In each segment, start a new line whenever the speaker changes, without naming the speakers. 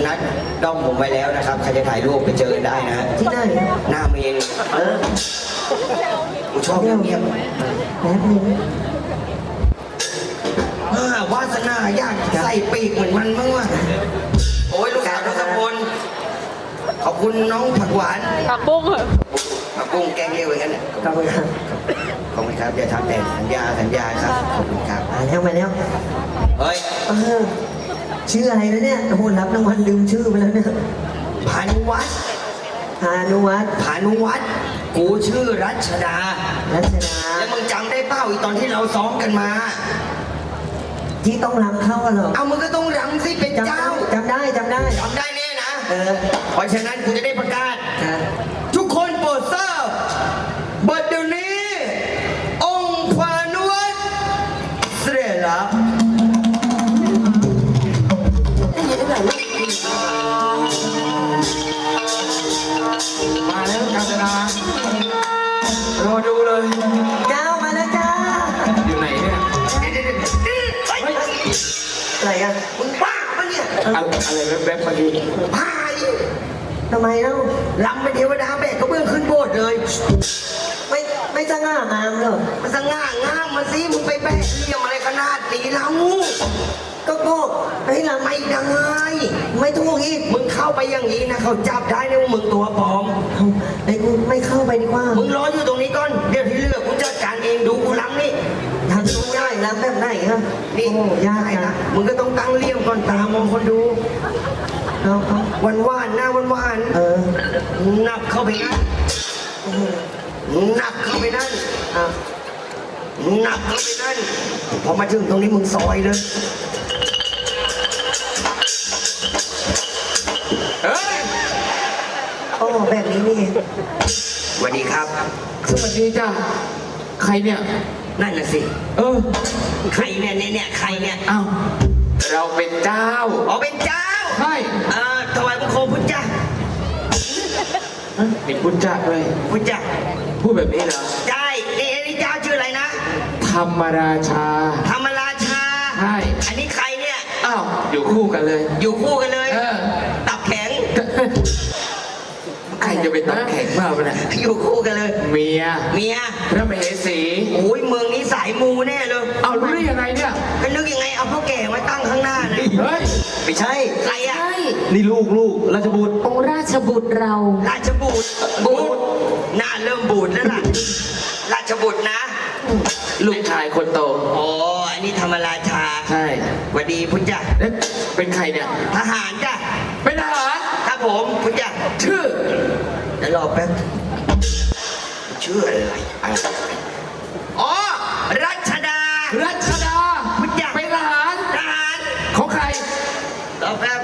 นัดด้อมผมไว้แล้วนะครับใครจะถ่ายรูปไปเจอกันได้นะ
ที่ไหน
หน้าเมนกูชอบเงียบ
แป๊บนึง
วาสนาอยากใส่ปีกเหมือนมันมั้งวะโอ้ยลูกสาวทศพลขอบคุณน้องผักหวาน
ผักบุ้งเหรอ
ผักบุ้งแกงเลี้ยวอย่างนั้น
ขอบคุณครับ
ขอบคุณครับอย่าทำแต่สัญญาครับขอบคุณครับ
มาแล้ว
เฮ้ย
ชื่ออะไรนะเนี่ยโอ้โหรับรางวัลลืมชื่อไปแล้วเนี่ย
พานุวัฒน์กูชื่อรัชดา
แล้ว
มึงจำได้เปล่าอีตอนที่เราซ้อมกันมา
ที่ต้องรำเข้าเหรอ
เอามึงก็ต้องรำสิเป็นเจ้า
จำได้
แน่นะเพราะฉะนั้นกูจะได้ประกาศทุกคนโปรดทราบบัดเดี๋ยวนี้องค์พานุวัฒน์เสด็จแล้วมาแล้วกาญจนารอดูเลย
เจ้ามาแล้วจ้า
อยู่ไหนเนี่ย
อะไรอ่ะ
มึงบ้าปะเนี่ย
อะไร
แวบๆมาดูพาย
ทำไมเล่า
ลำเป็นเทวดาแบกกระเบื้องขึ้นโบสถ์เลย
ไม่สง่างามเหรอ
มันสง่างามมาสิมึงไปแบกเรียมอะไรขนาดนี้เรา
ก็ให้ลำ
ไม่ได้
ไม่ถูกอีก
มึงเข้าไปอย่างนี้นะเขาจับได้นะว่ามึงตัวปลอม
ไอ้กูไม่เข้าไปดีกว่า
มึงรออยู่ตรงนี้ก่อนเดี๋ยวที่เหลือกูจัดการเองดูกูล้ำนี่
ทำตัวง่ายล้ำแบบไหนครับ
นี่
ยาก
นะมึงก็ต้องตั้งเลี่ยมก่อนตามองคนดูวันหน้าวันหนักเข้าไปนั่นหนักเข้าไปนั่นหนักเข้าไปนั่นพอมาถึงตรงนี้มึงซอยเลย
โอ้แบบนี้นี่
สวัสดีครับ
สวัสดีจ้าใครเนี่ย
นั่นน่ะสิใครเนี่ยใครเนี่ย
อ้าวเราเป็นเจ้า
เป็นเจ้า
ใช่
ถวายบังคมพุทธเจ้า
มีพุทธเจ้าด้วย
พุทธเจ้า
พูดแบบนี้เหรอ
ใช่นี่เจ้าชื่ออะไรนะ
ธรรมราชาใช่
อันนี้ใครเนี่ย
อ้าวอยู่คู่กันเลย
ตับแข็ง
ใครจะเป็นตับแข็งมากเลย
อยู่คู่กันเลย
เมียพระมเหสี
โอ้ยเมืองนี้สายมูแน่เลย
เอารู้ได้ยังไงเนี่ย
ก็นึกยังไงเอาพ่อแก่มาตั้งข้างหน้านะ
เฮ้ย
ไม่ใช่ใครอ่ะ
นี่ลูกราชบุตร
องค์ราชบุตรเรา
ราชบุตรหน้าเริ่มบูดแล้วล่ะราชบุตรนะ
ลูกชายคนโต
อันนี้ธรรมราชา
ใช่
สวัสดีพุทธเจ้า
เป็นใครเนี่ย
ทหารจ้ะ
เป็นทหาร
ครับผมพุทธเจ้า
ชื่อ
เดี๋ยวรอแป๊บชื่ออะไรรัชดา
พุทธเจ้าเป็นทหารของใคร
รอแป๊บ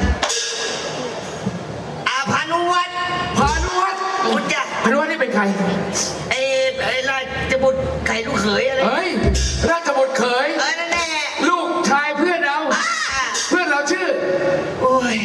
พานุวัฒน์พุทธเจ้า
พานุวัฒน์นี่เป็นใคร
ราชบุตรไข่ลูกเขยอะไร
เฮ้ยราชบุตรเขย
นั่นแน่
ลูกชายเพื่อนเราชื่อ
โอ้ย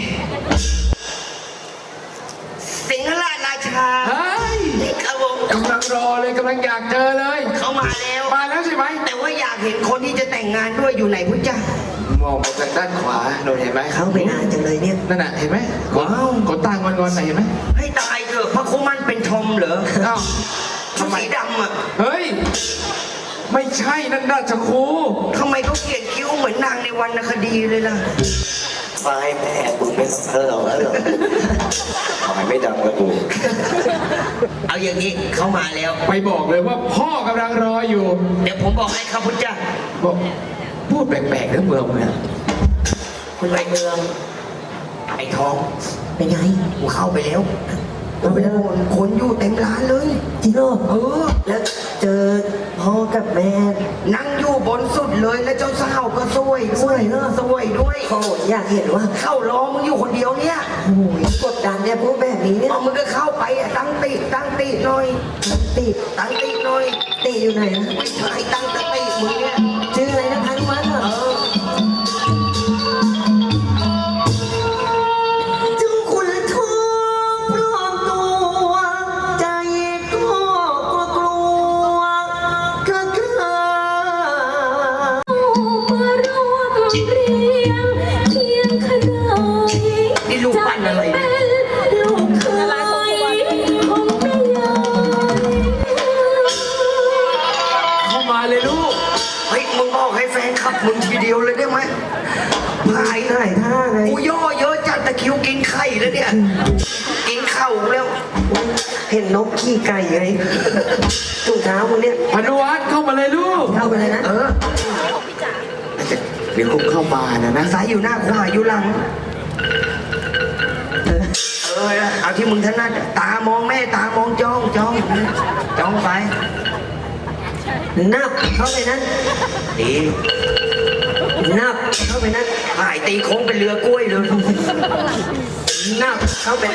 สิงหราชา
เฮ้ย
ครับผม
กำลังรอเลยกำลังอยากเจอเลย
เขามาแล้ว
ใช่ไหม
แต่ว่าอยากเห็นคนที่จะแต่งงานด้วยอยู่ไหนพุทธเจ้าม
องมาจากด้านขวาโดนเห็นไหม
เขาไปนานจังเลยเนี่ย
นั่นน่ะเห็นไหมขนตางอนไหนเห็นไหม
ให้ตายเถอะพระคุมันเป็นทอมเหรอ
ทำไม
ดำอ่ะ
เฮ้ยไม่ใช่นั่นราชครู
ทำไมเขาเขียนคิ้วเหมือนนางในวรรณคดีเลยล่ะ
ไปแม่คุณเป็นเธอแล้วเหรอทำไมไม่ดังกระดูก
เอาอย่างนี้เขามาแล้ว
ไปบอกเลยว่าพ่อกำลังรออยู่
เดี๋ยวผมบอกให้ครับพุทธเจ้า
บอกพูดแปลกๆเรื่องเมืองเนี่ย
คนไปเมืองไอ้ทอง
เป็นไง
กูเข้าไปแล้วคนอยู่เต็มร้านเลย
จริงเหรอแล้วเจอพ่อกับแม่
นั่งอยู่บนสุดเลยแล้วเจ้าสาวก็สวยด้วย
โอ้อยากเห็นว่า
เข้ารอมึงอยู่คนเดียวเนี่ย
โอ้ยกดดันเนี่ยพวกแบบนี้เนี่ย
มึงก็เข้าไปตั้งติหน่อย
ติอยู่ไหนนะ
ไม่ใช่ตั้งติมึงเนี่ย
ชื่ออะไรนะพันวันเหรอ
นี่ลูก
จะเป็นลูกเคยของแม่ยาย
เข้ามาเลยลูก
เฮ้ยมึงบอกให้แฟนขับมึงทีเดียวเลยได้ไหมพาย
ถ่ายท่าไง
กูย่อเยอะจัดตะคริวกินไข่แล้วเนี่ยกินเข่าแล้ว
เห็นนกขี้ไก่ไงถุงเท้ามึงเนี่ย
พานุวัฒน์เข้ามาเลยลูก
เข้าไปเลยนะ
เดี๋ยวคุกเข้ามานะ
ซ้ายอยู่หน้าขวาอยู่หลัง เอาที่มึงถนัดตามองแม่ตามองจ้องไป
นับเข้าไปนั้น
ดี
นับเข้าไปนั้น
หายตีโค้งเป็นเรือกล้วยเลย
นับเข้าไป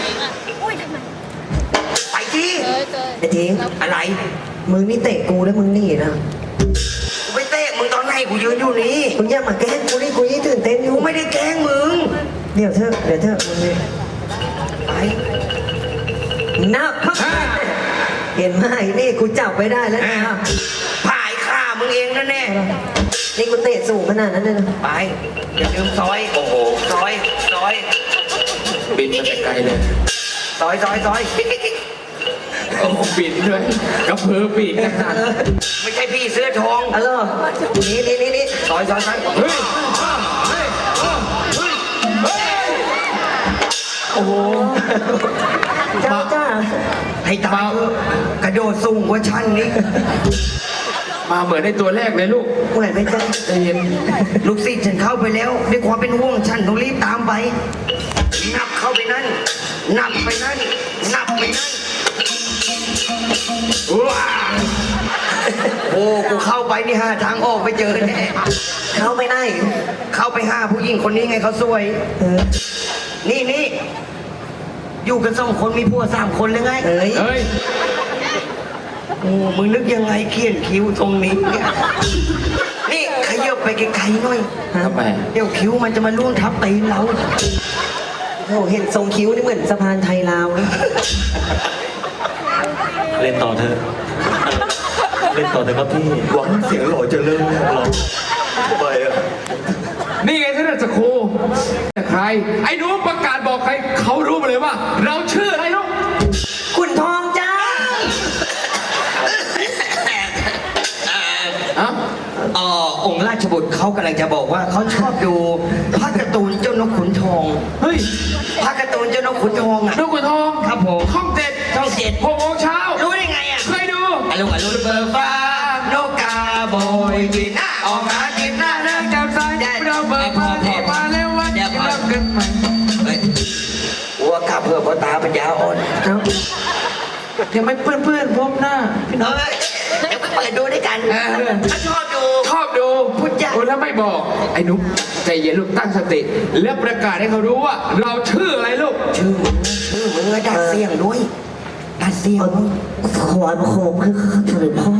ไปที่
ไอ้ทิ้ง
อะไร
มึงนี่เตะกูแล้วมึงหนี่นะ
กูไปเตะมึงตอนไหนกูยืนอยู่นี่
มึงอย่ามาแกล้งกูนี่กูยิ่งตื่นเต้นอยู่
กูไม่ได้แกล้งมึง
เดี๋ยวเถอะมึงเนี่ย
ไป
นับเข้าไปเห็นไหมนี่กูจับไว้ได้แล้วนะ
ผายฆ่ามึงเองนะแน่
นี่กูเตะสูงขนาดนั้นเลยนะ
ไปอย่าลืมซอยโอ้โหซอย
บินมาแต่ไกลเลย
ซอย
โอ้โหบินด้วยกระเพือปีกนะฮะ
ไม่ใช่พี่เสื้อทอง
อ๋อเหรอนี่
ซอย
เฮ้ยโอ้โห
จ้า
ให้ตายเถอะกระโดดสูงกว่าชั้นนี้
มาเหมือนในตัวแรกเลยลูก
เหมือนไหมจ้า
ใจเย็น
ลูกศิษย์ฉันเข้าไปแล้วด้วยความเป็นห่วงฉันต้องรีบตามไป นับเข้าไปนั่น นับไปนั่น นับไปนั่นว้าโอ้กูเข้าไปนี่หาทางออกไปเจอแน่
เข้าไปไหน
เข้าไปหาผู้หญิงคนนี้ไงเขาสวย นี่อยู่กันสองคนมีผัว3 คนเลยไง
เอ้ย
เฮ้ย
โอ้มึงนึกยังไงเขียนคิ้วตรงนี้เนี่ยนี่ขยับไปไกลๆหน่อย
ทำไม
เดี๋ยวคิ้วมันจะมาล่วงทับตีนเรา
โอ้เห็นทรงคิ้วนี่เหมือนสะพานไทยลาวนะ
เล่นต่อเถอะเล่นต่อเถอะครับพี่หวังเสียงหล่อจะเลิกหรอไปอะ
นี่ไงท่านจะครูใคร ไอ้หนูประกาศบอกใครเขารู้มาเลยว่า เราชื่ออะไรลูก
ขุนทองจ้า
อะ
องค์ราชบุตรเขากำลังจะบอกว่าเขาชอบดูภาพการ์ตูนเจ้านกขุนทอง
เฮ้ย
ภาพการ์ตูนเจ้านกขุนทองอ่ะ
นกขุนทอง
ครับผม
ช่องเจ็ด
ช่องเจ็ด
6 โมงเช้า
รู้ได้ไงอ่ะ
เคยดู
อารมณ์เบอร์ฟ้านกกาโบยบินออกหากินหน้าเลิก
จับสายเราเบิกมาที่มาแล้ววันที่รักกันใหม่
เฮ้ยวัวกลับเพื่อพ่อตาปัญญาอ่อน
เอ้า
ยังไม่เพื่อนพบหน้า
เฮ้ยเดี๋ยวเปิดดูด้วยกัน
เออ
ถ้าชอบดู
ชอบดู
พูดยาก
โอ้แล้วไม่บอก ไอ้หนุ๊กใจเย็นลูกตั้งสติ แล้วประกาศให้เขารู้ว่า เราชื่ออะไรลูก
ชื่อมึงอะดัดเสียงด้วยดัดเสียงด้วย
ถวายบังคมคือเสด็จพ่อ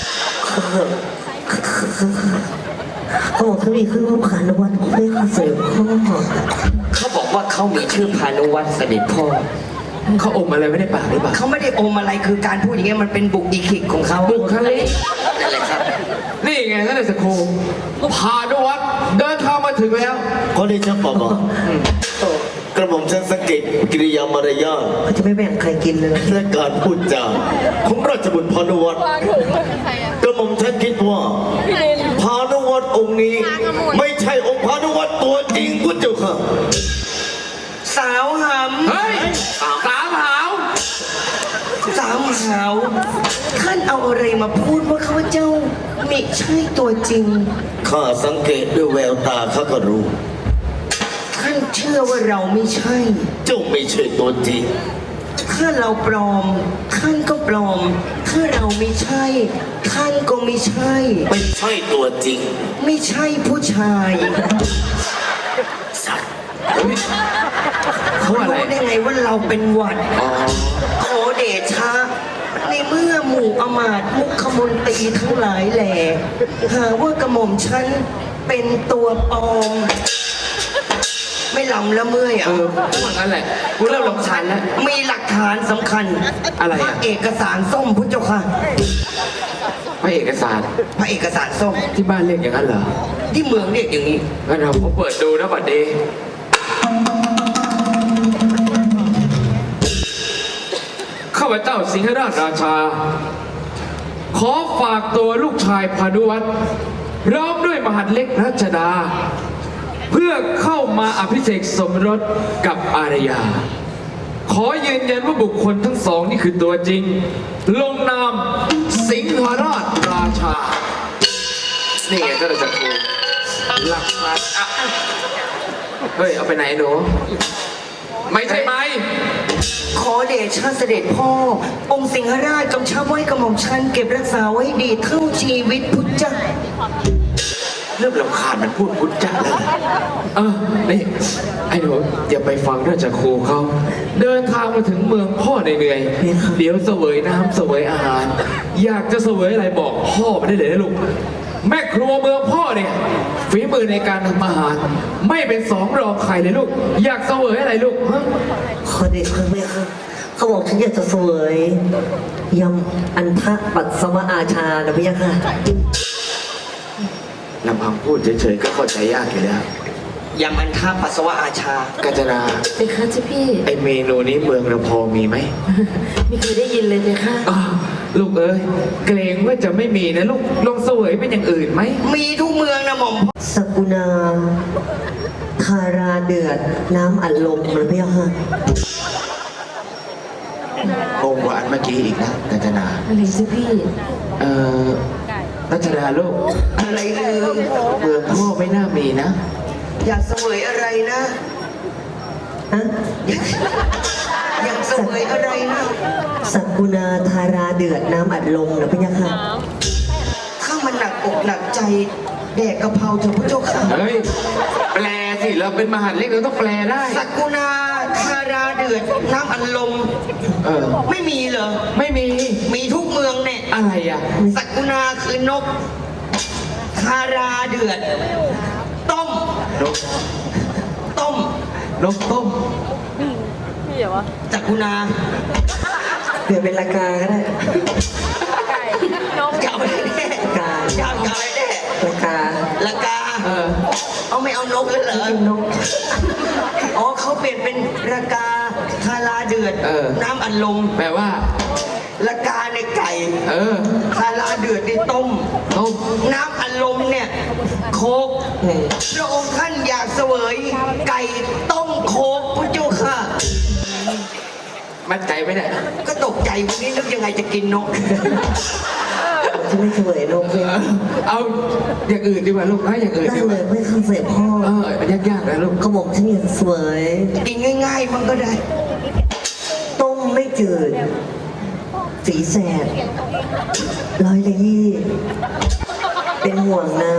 เขาบอกเขามีเครื่องรูปขันในวันเพื่อเสด็จพ่อ
เขาบอกว่าเขามีชื่อพานุวัตรเสด็จพ่อ
เขาอมอะไรไม่ได้ปากหรือเปล่า
เขาไม่ได้อมอะไรคือการพูดอย่างเงี้ยมันเป็นบุคลิกของเขา
บุคลิก
นั่นแหละครับ
นี่ไงท่านนายสครูพานุวัฒน์เดินทางมาถึงแล้ว
ก็ได้ชักบอกกระหม่อมฉันสังเกตกิริยามารยาท
เขาจะไม่แบ่งใครกินเลย
และการพูดจาของราชบุตรพานุวัฒน์กระหม่อมฉันคิดว่าพานุวัฒน์องค์นี้ ไม่ใช่องค์พานุวัฒน์ตัวจริงพุทธเจ้าค่ะ
สาวห
เฮ้ย สามหาว
ำสาวหาวท่านเอาอะไรมาพูดว่าเขาเจ้าไม่ใช่ตัวจริง
ข้าสังเกตด้วยแววตาข้าก็รู้
ท่านเชื่อว่าเราไม่ใช่
เจ้าไม่ใช่ตัวจริง
ถ้าเราปลอมท่านก็ปลอม ถ้าเราไม่ใช่ ท่านก็ไม่ใช่
ไม่ใช่ตัวจริง
ไม่ใช่ผู้ชาย
สัตว์
เขาอะไร
รู้ได้ไงว่าเราเป็นหวัด
อ๋อ
ขอเดชะในเมื่อหมู่อมาตย์มุขมนตรีทั้งหลายแหล่หาว่ากระหม่อมฉันเป็นตัวปลอม ไม่ลำแล้วเมื่อย
เออพวกนั้นแหละ กูเริ่มรำคาญแล้ว
มีหลักฐานสำคัญ
อะไร
พ
อ่ะ
ระเอกสารส้มพุทธเจ้าค่ะ
พระเอกสาร
พระเอกสารส้ม
ที่บ้านเรียกอย่างนั้นเหรอ
ที่เมืองเรียกอย่างนี้
งั้นเราเปิดดูนะบัดเดย์พเจ้าสิงหราชราชา ขอฝากตัวลูกชายพานุวัตรพร้อมด้วยมหัดเล็กรัชดา เพื่อเข้ามาอภิเษกสมรสกับอารยา ขอยืนยันว่าบุคคลทั้งสองนี่คือตัวจริง ลงนามสิงหราชราชา นี่ไงท่านอาจารย์ครูหลักฐานอ่ะเฮ้ย เอาไปไหนหนู ไม่ใช่ไหม
ขอเดชะเสด็จพ่อ องค์สิงหราชกำชับไว้กระหม่อมชันเก็บรักษาไว้ดีเท่าชีวิตพุทธเจ้า
เริ่มรำคาญมันพูดพุทธเจ้าแล้ว
นี่ไอ้หนูอย่าไปฟังราชครูเขา เดินทางมาถึงเมืองพ่อเหนื่อยๆเดี๋ยวเสวยน้ำเสวยอาหาร อยากจะเสวยอะไรบอกพ่อไม่ได้เลยนะลูก แม่ครัวเมืองพ่อเนี่ยฝีมือในการทำอาหาร ไม่เป็นสองรองใครเลยลูก อยากเสวยอะไรลูกฮะ
ขอเดชะแม่ครับเขาบอกฉันอยากจะเสวยยำอันทะปัสสาวะอาชานะพี่ยะค่ะ
ลำพังพูดเฉยๆก็เข้าใจยากอยู่แล้ว
ยำอันท่าปัสสาวะอาชา
กาญจนา
เพคะเจ้าพี่
ไอเมนูนี้เมืองเราพอมีไหม
ไม่เคยได้ยินเลยเพคะ
อ้าวลูกเอ้ยเกรงว่าจะไม่มีนะลูกลองเสวยเป็นอย่างอื่นไหม
มีทุกเมืองนะหม่อมพ่อ
สกุณาทาราเดือดน้ำอัดลมนะพี่ยะค่ะ
งงกว่าอันเมื่อกี้อีกนะกาญจนา
อะไรเจ้าพี่
เอ่อรัชดาลูก
อะไรเอ่ย
เมืองพ่อไม่น่ามีนะ
อยากเสวยอะไรนะ
ฮะ
อยากเสวยอะไรนะ
สกุณาทาราเดือดน้ำอัดลมนะพี่ยะค่ะ
ถ้ามันหนักอกหนักใจแดกกะเพราเถอะพระเจ้าค่ะ
เฮ้ย แปลสิ เราเป็นมหาดเล็กเราต้องแปลได้
สักกุณาคาราเดือดน้ำอัดลม
เออ
ไม่มีเหรอ
ไม่มี
มีทุกเมืองเนี่ย
อะไรอ่ะ
สักกุณาคือนกคาราเดือด ต้ม
นก
ต้ม
นกต้ม
สักกุณา
เปลี่ยนเป็นราคาก็ได้
จะเอาอะไรแน่
กา
จะเอาอะไรแน่
ราคา
ละกา
เออ
เอาไม่เอานกเลยเหรอ
กินนก
อ๋อเขาเปลี่ยนเป็นละกาคาราเดือด
เออ
น้ำอัดลม
แปลว่า
ละกาในไก่
เออ
คาราเดือดในต้ม
ต้ม
น้ำอัดลมเนี่ยโคกพระองค์ท่านอยากเสวยไก่ต้มโคกพระเจ้าค่ะ
มั่นใจไหมเนี่ย
ก็ตกใจวันนี้นึกยังไงจะกินนก
จะไม่เสวยนกเลย
เอาอย่างอื่นดีกว่าลูกนะอย่างอื่น
ได้
ดีก
เล
ว่าย
ไม่เข้าเสพพ่อ
ยากๆนะลูก
เขาบอกฉันอยากจะเสวย
กินง่ายๆมันก็ได้
ต้มไม่จืด สีแสดร้อยละยี่ เป็นห่วงนะ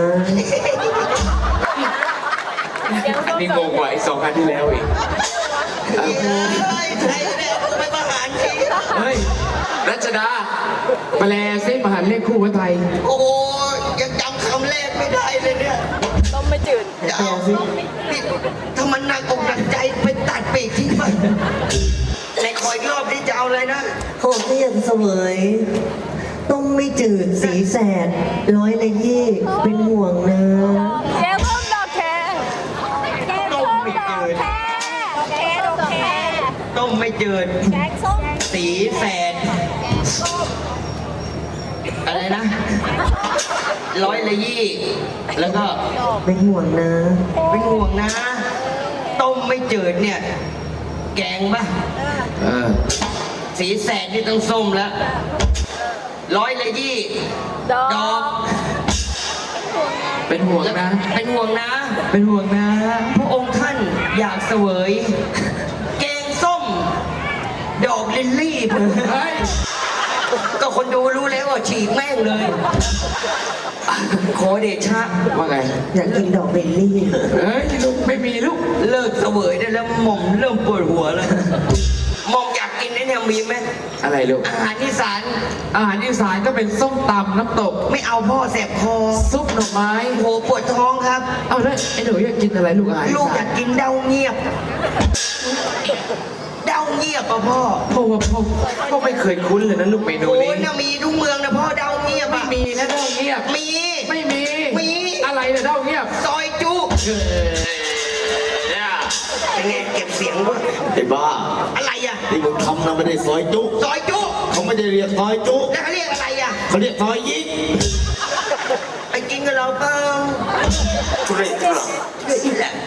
อันนี้งงกว่าไอ้สองอันที่แล้วอีก
เฮ้ยใครเนี่ยไปประหารที
เฮ้ย รัชดา แปลซิมหาดเล็กคู่พระไทย
โอ้ยยังจำคำแรกไม่ได้เลยเนี่ย
ต้มไม่จืด
จะเอานี่ถ้ามันหนักอกหนักใจไปตัดปีกทิ้งไปในคอยอีกรอบนี้จะเอาอะไรนะ
เขาบอกฉันอยากจะเสวย ต้มไม่จืด สีแสดร้อยละยี่ เป็นห่วงนะ
แกงส้มดอกแคแกงส้มดอกแคแกงดอกแค
ต้มไม่เจิด
แกงส้ม
สีแสดอะไรนะร้อยละยี่ แล้วก็
เป็นห่วงนะ
เป็นห่วงนะ ต้มไม่เจิดเนี่ย แกงปะ
เออ
สีแสดนี่ต้องส้มแล้วร้อยละยี่
ดอก
ดอก
เป็นห่วง
แล้ว
นะ
เป็นห่วงนะ
เป็นห่วงนะ
พระองค์ท่านอยากเสวย แกงส้ม ดอกลิลลี่
เฮ้ย
ก็คนดูรู้แล้วว่าฉีกแม่งเลย ขอเดชะ
ว่าไง
อยากกินดอกเบลลี่
เฮ้ยลูกไม่มีลูก
เลิกเสวยได้แล้วหม่อมเริ่มปวดหัวแล้วหม่อมอยากกินไอ้เนี่ยมีไหม
อะไรลูก
อาหารอีสาน
อาหารอีสานก็เป็นส้มตำน้ำตก
ไม่เอาพ่อแสบคอ
ซุปหน่อไม้
โหปวดท้องครับ
เอาแล้วไอ้หนูอยากกินอะไรลูกอาหารอี
ลูกอ
สาย
าน กกินเด้าเงียบ เด้าเงียบอ่ะพ่อ
เพราะว่าพ่อไม่เคยคุ้นเลยนะลูกเมนู
โอ้
นี้
ยน่ะมีทุกเมืองนะพ่อเด้าเงียบ
ไม่
อ่ะ
มีนะเด้าเงียบ
มี
ไม่มี
มี
อะไรนะเด้าเงียบ
ซอยจุ
เนี่ย
เป็นไงเก็บเสียงด้วย
ไอ้บ้า
อะไรอ่ะ
ที่มึงทำนะไม่ได้ซอยจุ
ซอยจุ
ไม่ได้เรียกซอยจุ
แล้วเขาเรียกอะไรอ่ะ
เขาเรียกซอยยิก
ไปกินกับเราเปล่า
ทุเรศจริงเหรอ
เดี๋ยวอีกแหละ